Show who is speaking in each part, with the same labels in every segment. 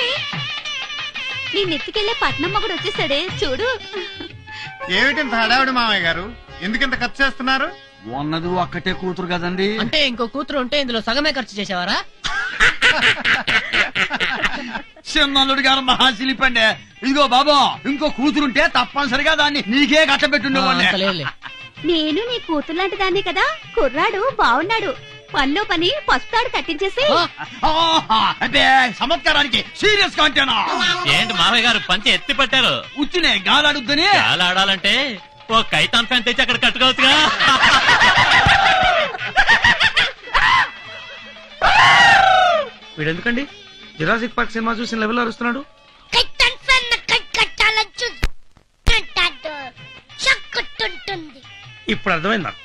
Speaker 1: నీ నెత్తికెళ్లే పట్నం మొగుడు వచ్చేసాడే చూడు.
Speaker 2: ఏమిటి హడావిడి మామయ్య గారు, ఎందుకింత ఖర్చు చేస్తున్నారు?
Speaker 3: ఉన్నది ఒక్కటే కూతురు కదండి.
Speaker 4: అంటే ఇంకో కూతురు ఉంటే ఇందులో సగమే ఖర్చు చేసేవారా?
Speaker 3: చిన్నల్లుడు గారు మహాశిలిపండి. ఇదిగో బాబా, ఇంకో కూతురుంటే తప్పనిసరిగా దాన్ని నీకే కట్టబెట్టుండేవాడిని.
Speaker 1: నేను నీ కూతురు లాంటి దాన్ని కదా. కుర్రాడు బాగున్నాడు, పనిలో పని పస్తాడు కట్టించేసి.
Speaker 3: అంటే చమత్కారానికి సీరియస్ గా అంటేనా?
Speaker 5: ఏంటి మామయ్య గారు పంచి ఎత్తి పట్టారు?
Speaker 3: ఉచ్చినే గాలాడుద్దని.
Speaker 5: గాలాడాలంటే ఓ కైతాన్ ఫ్యాన్ తెచ్చి అక్కడ కట్టుకోవచ్చుగా.
Speaker 6: వీడెందుకండి జురాసిక్ పార్క్ సినిమా చూసిన లెవెల్ అరుస్తున్నాడు? ఇప్పుడు అర్థమైంది నాకు.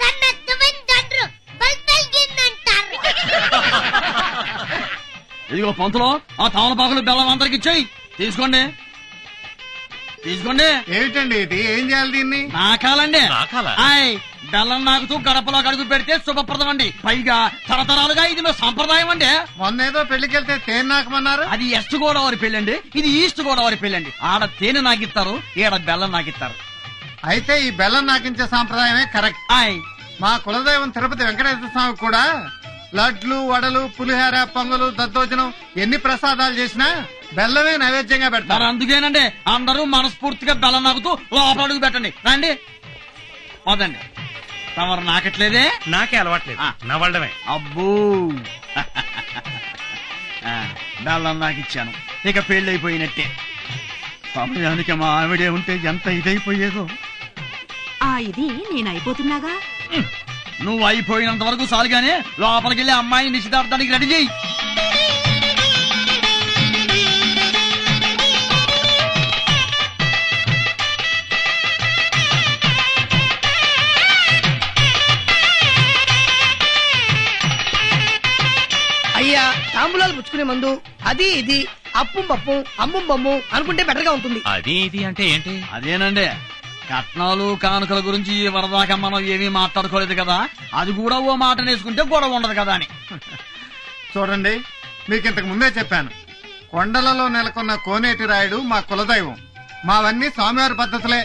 Speaker 3: ఇదిగో పంతులో, ఆ తమలపాకులు బెల్లం అందరికి ఇచ్చేయి. తీసుకోండి తీసుకోండి.
Speaker 2: ఏమిటండి ఇది, ఏం చేయాలి దీన్ని?
Speaker 3: నాకాలండి.
Speaker 5: నాకాలా?
Speaker 3: ఆయ్, బెల్లం నాకుతూ గడపలో అడుగు పెడితే శుభప్రదం అండి. పైగా తరతరాలుగా ఇది మా సంప్రదాయం అండి.
Speaker 2: మొన్నేదో పెళ్లికెళ్తే తేనె నాకమన్నారు.
Speaker 3: అది వెస్ట్ గోదావరి పెళ్ళండి, ఇది ఈస్ట్ గోదావరి పెళ్ళండి. ఆడ తేనె నాకిస్తారు, ఈడ బెల్లం నాకిస్తారు.
Speaker 2: అయితే ఈ బెల్లం నాకించే సాంప్రదాయమే కరెక్ట్.
Speaker 3: ఆయ్,
Speaker 2: మా కులదైవం తిరుపతి వెంకటేశ్వర స్వామి కూడా లడ్లు, వడలు, పులిహోర, పొంగలు, దద్దోజనం ఎన్ని ప్రసాదాలు చేసినా బెల్లమే నైవేద్యంగా పెడతారు.
Speaker 3: అందుకేనండి అందరూ మనస్ఫూర్తిగా బెల్లం నాకుతూ లోపల అడుగు పెట్టండి. రండి వదండి. తమరు నాకట్లేదే?
Speaker 6: నాకే అలవాట్లేదు, నవ్వడమే.
Speaker 3: అబ్బో, బెల్లం నాకిచ్చాను, ఇక పెళ్లి అయిపోయినట్టే. సమయానికి మా ఆవిడే ఉంటే ఎంత ఇదైపోయేదో.
Speaker 1: ఇది నేను అయిపోతున్నాగా.
Speaker 3: నువ్వు అయిపోయినంత వరకు చాలుగానే లోపలికి వెళ్ళి అమ్మాయిని నిశ్చితార్థానికి రెడీ చేయి.
Speaker 4: అయ్యా, తాంబూలాలు పుచ్చుకునే ముందు అది ఇది అప్పుం పప్పు అమ్ముం బొమ్ము అనుకుంటే బెటర్ గా ఉంటుంది.
Speaker 5: అది ఇది అంటే ఏంటి?
Speaker 3: అదేనండి, కట్నాలు కానుకల గురించి వరదాకా మనం ఏమీ మాట్లాడుకోలేదు కదా, అది కూడా ఓ మాట నేసుకుంటే గొడవ ఉండదు కదా అని.
Speaker 2: చూడండి, మీకు ఇంతకు ముందే చెప్పాను, కొండలలో నెలకొన్న కోనేటి రాయుడు మా కులదైవం. మావన్నీ స్వామివారి పద్ధతులే.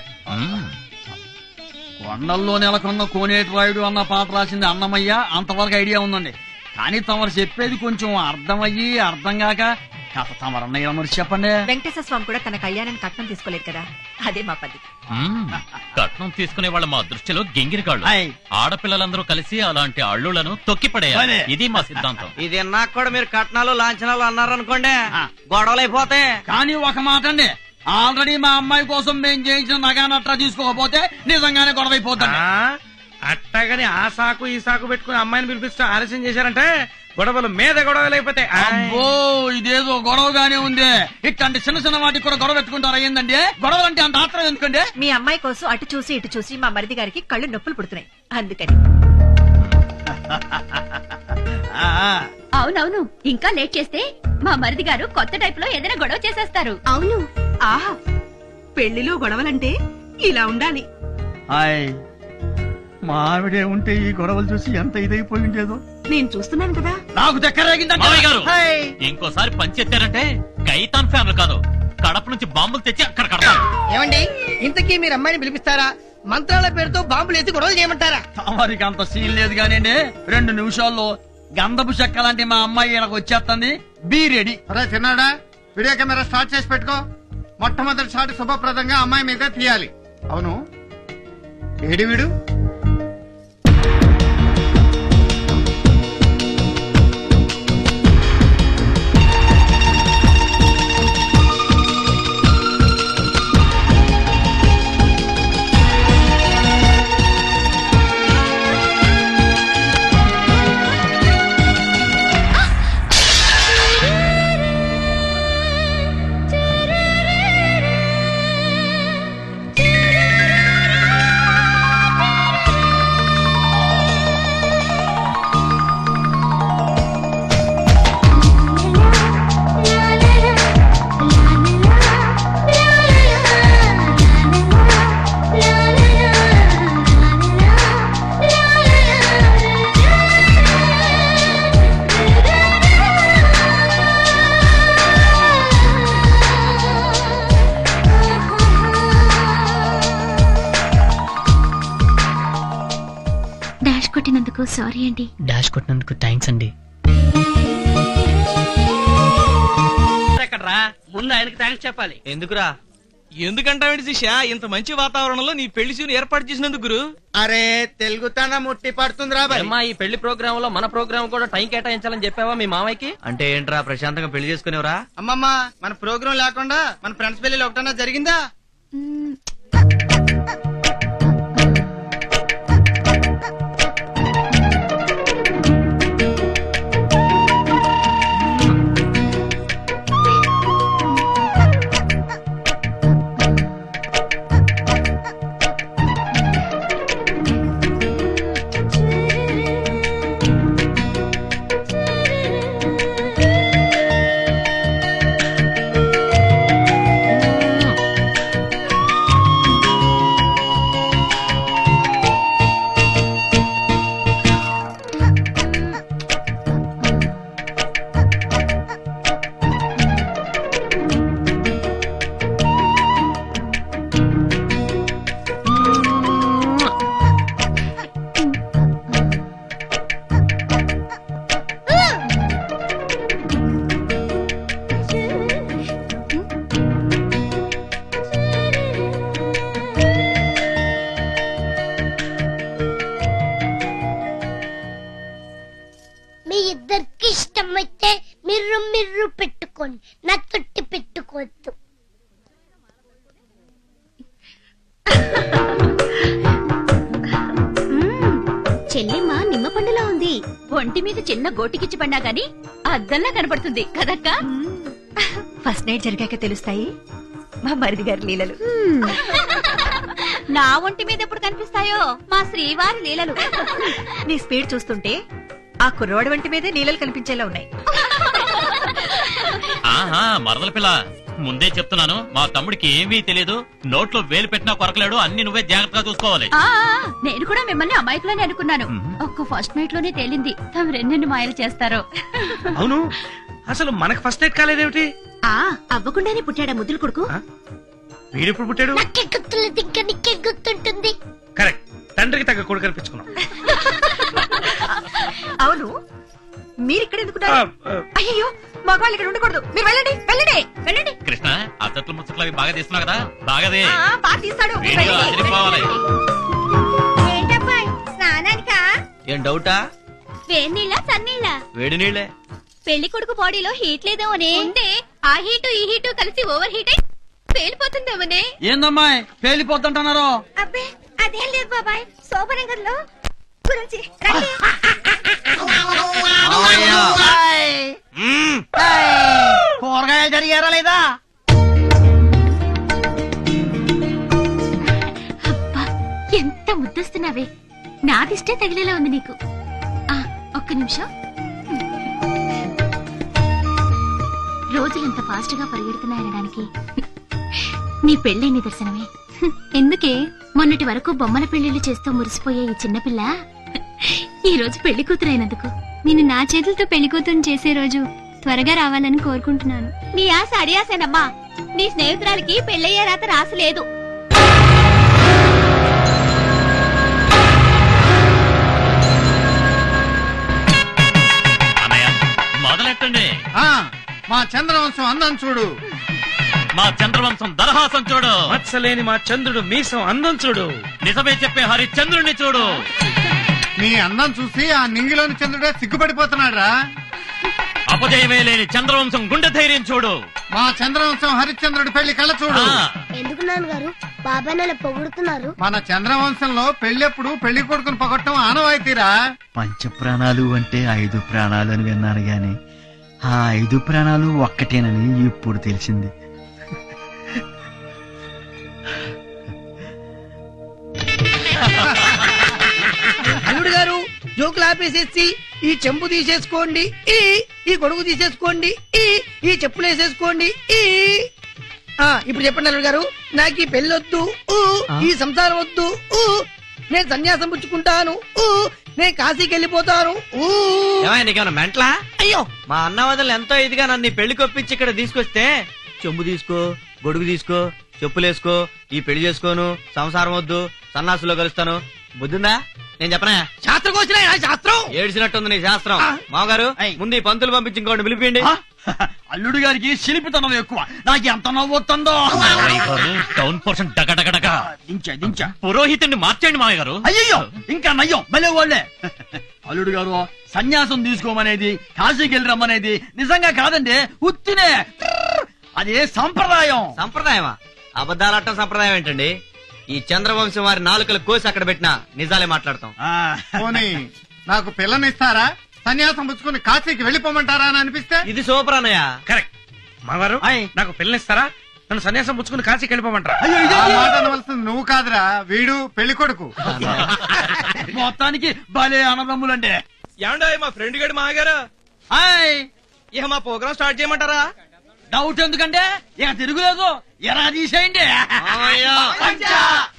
Speaker 3: కొండల్లో నెలకొన్న కోనేటి రాయుడు అన్న పాట రాసింది అన్నమయ్య, అంతవరకు ఐడియా ఉందండి. కానీ తమరు చెప్పేది కొంచెం అర్థమయ్యి అర్థం కాక కథ తమరన్నయ్య మరి చెప్పండి.
Speaker 7: వెంకటేశ్వర స్వామి కూడా తన కళ్యాణాన్ని కట్నం తీసుకోలేదు కదా, అదే మా పద్ధతి.
Speaker 5: కట్నం తీసుకునే వాళ్ళ మా దృష్టిలో గింగిరిగాళ్ళు. ఆడపిల్లలందరూ కలిసి అలాంటి అల్లులను తొక్కిపడేయాలి, ఇది మా సిద్ధాంతం.
Speaker 8: ఇది నాకు కూడా మీరు కట్నాలు లాంఛనాలు అన్నారనుకోండి, గొడవలైపోతాయి.
Speaker 3: కానీ ఒక మాట అండి, ఆల్రెడీ మా అమ్మాయి కోసం మేము చేయించిన నగానట్రా తీసుకోకపోతే నిజంగానే గొడవ అయిపోతాం.
Speaker 6: అట్టగాని ఆ సాకు ఈ సాకు పెట్టుకుని అమ్మాయిని పిలిపిస్తూ ఆలస్యం చేశారంటే గొడవలు మీద గొడవలు అయిపోతాయి.
Speaker 3: అబ్బో, ఇదేదో గొడవగానే ఉంది. ఇట్లాంటి చిన్న చిన్న వాటికి కూడా గొడవ పెట్టుకుంటారా ఏందండి? గొడవలు అంటే అంత ఆత్రం ఎందుకండి?
Speaker 7: మీ అమ్మాయి కోసం అటు చూసి ఇటు చూసి మా మరిది గారికి కళ్ళు నొప్పులు పుడుతున్నాయి, అందుకని.
Speaker 1: అవునవును, ఇంకా లేట్ చేస్తే మా మరిది గారు కొత్త టైప్ లో ఏదైనా గొడవ చేసేస్తారు.
Speaker 7: అవును, ఆహా, పెళ్లిలో గొడవలంటే ఇలా ఉండాలి.
Speaker 3: మా ఆవిడే ఉంటే ఈ గొడవలు చూసి ఎంత ఇదైపోయి ఉండేదో.
Speaker 7: నేను చూస్తున్నాను కదా.
Speaker 3: నాకు
Speaker 5: చక్కరేగిందంటే ఇంకోసారి పంచెత్తారంటే కైతాన్ ఫ్యామిలీ కాదు, కడప నుంచి బాంబులు తెచ్చి అక్కడ కడతారు.
Speaker 4: ఏమండి, ఇంతకీ మీరు అమ్మాయిని పిలిపిస్తారా, మంత్రాల పేరుతో బాంబులు ఎత్తి గొడవలు చేయమంటారా?
Speaker 3: తమరికి అంత సీన్ లేదు కానివ్వండి, 2 నిమిషాల్లో గంధపు చెక్క లాంటి మా అమ్మాయి నాకు వచ్చేస్తుంది. Be ready.
Speaker 2: అరే చిన్నాడా, వీడియో కెమెరా స్టార్ట్ చేసి పెట్టుకో. మొట్టమొదటి షాట్ శుభప్రదంగా అమ్మాయి మీద తీయాలి. అవును, ఏడి వీడు?
Speaker 1: సారీ అండి.
Speaker 9: డాష్ కొట్టినందుకు థ్యాంక్స్ అండి.
Speaker 4: ఎక్కడ్రా ముందు ఆయనకి థ్యాంక్స్ చెప్పాలి.
Speaker 8: ఎందుకురా?
Speaker 6: ఎందుకంటావేంటి శిష్య, ఇంత మంచి వాతావరణంలో నీ పెళ్లి సీన్ ఏర్పాటు చేసినందుకు గురు.
Speaker 2: అరే తెలుగుతన ముట్టి పడుతుందిరా బాయ్.
Speaker 8: అమ్మా, ఈ పెళ్లి ప్రోగ్రామ్ లో మన ప్రోగ్రామ్ కూడా టైం కేటాయించాలని చెప్పావా మీ మామయ్యకి? అంటే ఏంట్రా, ప్రశాంతంగా పెళ్లి చేసుకునేవరా?
Speaker 2: అమ్మమ్మ మన ప్రోగ్రాం లేకుండా మన ఫ్రెండ్స్ పెళ్లి ఒకటన్నా జరిగిందా?
Speaker 10: మీ ఇద్దరికి ఇష్టమైతే మీరు మీరు పెట్టుకోండి, నా తొట్టి పెట్టుకోవద్దు.
Speaker 1: చెల్లెమ్మ నిమ్మ పండులా ఉంది. ఒంటి మీద చిన్న గోటికిచ్చి పడినా గాని అద్దంలా కనపడుతుంది కదక్క.
Speaker 7: ఫస్ట్ నైట్ జరిగాక తెలుస్తాయి మా మరిది గారి లీలలు.
Speaker 1: నా ఒంటి మీద ఎప్పుడు కనిపిస్తాయో మా శ్రీవారి లీలలు.
Speaker 7: నీ స్పీడ్ చూస్తుంటే ఆ కుర్రవాడి వంటి మీదే నీళ్ళలు కనిపించేలా ఉన్నాయి.
Speaker 5: ఆహా, మరదల పిల్ల, ముందే చెప్తున్నాను, మా తమ్ముడికి ఏమీ తెలియదు. నోట్లో వేలు పెట్టినా కొరకలేడు. అన్ని నువ్వే జాగ్రత్తగా చూసుకోవాలి.
Speaker 1: నేను కూడా మిమ్మల్ని అమాయకులని అనుకున్నాను. ఒక్క ఫస్ట్ నైట్ లోనే తేలింది తమ రెండెన్ని మాయలు చేస్తారో.
Speaker 6: అవును, అసలు మనకు ఫస్ట్ నైట్ కాలేదేమిటి?
Speaker 1: అవ్వకుండానే పుట్టాడా ముద్దుల కొడుకు?
Speaker 6: వీడెప్పుడు పుట్టాడు?
Speaker 10: నాకే గుర్తులేదు, ఇంకా నీకే గుర్తుంటుంది.
Speaker 6: కరెక్ట్, తండ్రికి తగ్గ కొడుకు కనిపించుకున్నాం.
Speaker 7: అవును, మీరిక్కడ ఎందుకున్నారు? అయ్యో, మగవాళ్ళు ఇక్కడ ఉండకూడదు. మీరు వెళ్ళండి వెళ్ళండి వెళ్ళండి.
Speaker 5: కృష్ణ, అత్తట్లు ముచ్చట్లు అవి బాగా తీస్తున్నావు కదా, బాగాదే.
Speaker 7: బాగా తీస్తాడు. మీరు
Speaker 5: వీడియో
Speaker 7: వెళ్ళండి.
Speaker 5: అదిరిపోవాలి.
Speaker 1: ఏంటబ్బా స్నానానికా?
Speaker 8: ఏం డౌటా?
Speaker 1: వేడినీళ్ళ చన్నీళ్ళ?
Speaker 8: వేడి నీళ్ళే.
Speaker 1: పెళ్లి కొడుకు బాడీలో హీట్ లేదేమోనే. ఉంటే ఆ హీటు ఈ హీటు కలిసి ఓవర్ హీట్ అయి పేలిపోతుందేమోనే.
Speaker 3: ఏందమ్మాయి పేలిపోతుంటున్నారు?
Speaker 1: అబ్బే అదేం లేదు బాబాయ్, శోభనగర్లో గురించి
Speaker 4: కూరగాయలు జరిగారా లేదా?
Speaker 1: అబ్బా ఎంత ముద్దస్తున్నావే. నాదిష్టే తగిలేలా ఉంది నీకు. ఒక్క నిమిషం. రోజులు ఎంత ఫాస్ట్ గా పరిగెడుతున్నాయనడానికి నీ పెళ్లి నిదర్శనమే. ఎందుకే మొన్నటి వరకు బొమ్మల పెళ్లిళ్లు చేస్తూ మురిసిపోయే ఈ చిన్నపిల్ల ఈ రోజు పెళ్లి కూతురైనందుకు. నేను నా చేతులతో పెళ్లి కూతురు చేసే రోజు త్వరగా రావాలని కోరుకుంటున్నాను. నీ ఆశ అడియాసేనమ్మా. నీ స్నేహితురాలికి పెళ్లయ్యే రాత రాసలేదు.
Speaker 5: అన్నయ్య, మొదలెట్టండి.
Speaker 2: మా చంద్రవంశం అందం చూడు.
Speaker 5: మా చంద్రవంశం దరహాసం చూడు.
Speaker 6: మత్సలేని మా చంద్రుడు మీసం అందం చూడు.
Speaker 5: నిజమే చెప్పే హరిశ్చంద్రుడిని చూడు.
Speaker 2: నీ అందం చూసి ఆ నింగిలోని చంద్రుడే సిగ్గుపడిపోతున్నాడు రా.
Speaker 5: అపజయమే లేని చంద్రవంశం గుండె ధైర్యం చూడు.
Speaker 2: మా చంద్రవంశం హరిశ్చంద్రుడి పెళ్లి కళ్ళ చూడు.
Speaker 10: ఎందుకు నాన్నగారు బాబాయ్ నెల పొగుడుతున్నారు?
Speaker 2: మన చంద్రవంశంలో పెళ్ళెప్పుడు పెళ్లి కొడుకుని పొగట్టం ఆనవాయితీరా.
Speaker 9: పంచ ప్రాణాలు అంటే 5 ప్రాణాలు అని విన్నాను గాని ఆ 5 ప్రాణాలు ఒక్కటేనని ఇప్పుడు తెలిసింది.
Speaker 4: అల్లుడు గారు జోకులు ఆపేసేసి ఈ చెంబు తీసేసుకోండి, ఈ గొడుగు తీసేసుకోండి, ఈ చెప్పులు వేసేసుకోండి. ఇప్పుడు చెప్పండి అల్లుడు గారు, నాకు ఈ పెళ్ళొద్దు, ఈ సంసారం వద్దు, నేను సన్యాసం పుచ్చుకుంటాను, నేను కాశీకి వెళ్ళిపోతాను.
Speaker 8: నీకేమన్నా మెంట్లా?
Speaker 4: అయ్యో,
Speaker 8: మా అన్న వదలు ఎంతో ఇదిగా నన్ను ఈ పెళ్లి కొప్పించి ఇక్కడ తీసుకొస్తే చెంబు తీసుకో, గొడుగు తీసుకో, చెప్పులేసుకో, ఈ పెళ్లి చేసుకోను, సంసారం వద్దు, సన్నాసులో కలుస్తాను, బుద్ధిందా నేను చెప్పనా
Speaker 4: శాస్త్రం వచ్చిన శాస్త్రం
Speaker 8: ఏడ్చినట్టుంది నీ శాస్త్రం మామగారు ముందు ఈ పంతులు పంపించి ఇంకోటి పిలిపియండి
Speaker 3: అల్లుడు గారికి శిల్పితనం ఎక్కువ నాకు ఎంత నవ్వుతుందో.
Speaker 5: టౌన్ పోర్షన్ డగడగడగ
Speaker 3: దించా
Speaker 5: పురోహితుడిని మార్చేయండి మామయ్య గారు.
Speaker 3: అయ్యో ఇంకా నయ్యం భలే వాళ్ళే. అల్లుడు గారు సన్యాసం తీసుకోమనేది కాశీకి వెళ్ళి రమ్మనేది నిజంగా కాదండి, ఉత్తినే. అదే సంప్రదాయం.
Speaker 8: సంప్రదాయమా? అబద్ధాలట్టం సంప్రదాయం ఏంటండి? ఈ చంద్రవంశం వారి నాలుకలు కోసి అక్కడ పెట్టినా నిజాలే మాట్లాడతాం.
Speaker 2: పోనీ నాకు పిల్లనిస్తారా, సన్యాసం పుచ్చుకుని కాశీకి వెళ్ళిపోమంటారా అని అనిపిస్తే?
Speaker 8: ఇది సూపర్ అన్నయ్య.
Speaker 6: కరెక్ట్ మామగారు, నాకు పిల్లనిస్తారా? నన్ను సన్యాసం పుచ్చుకుని కాశీకి వెళ్ళిపోమంటారా?
Speaker 2: ఆ మాట అనవలసింది నువ్వు కాదురా, వీడు పెళ్లి కొడుకు.
Speaker 3: మొత్తానికి భలే అన్నదమ్ములండి.
Speaker 8: ఏమండో మా ఫ్రెండ్ గడి మామగారు ఇక మా ప్రోగ్రామ్ స్టార్ట్ చేయమంటారా?
Speaker 3: డౌట్ ఎందుకంటే ఇక తిరుగులేదు, ఎలా తీసేయండి.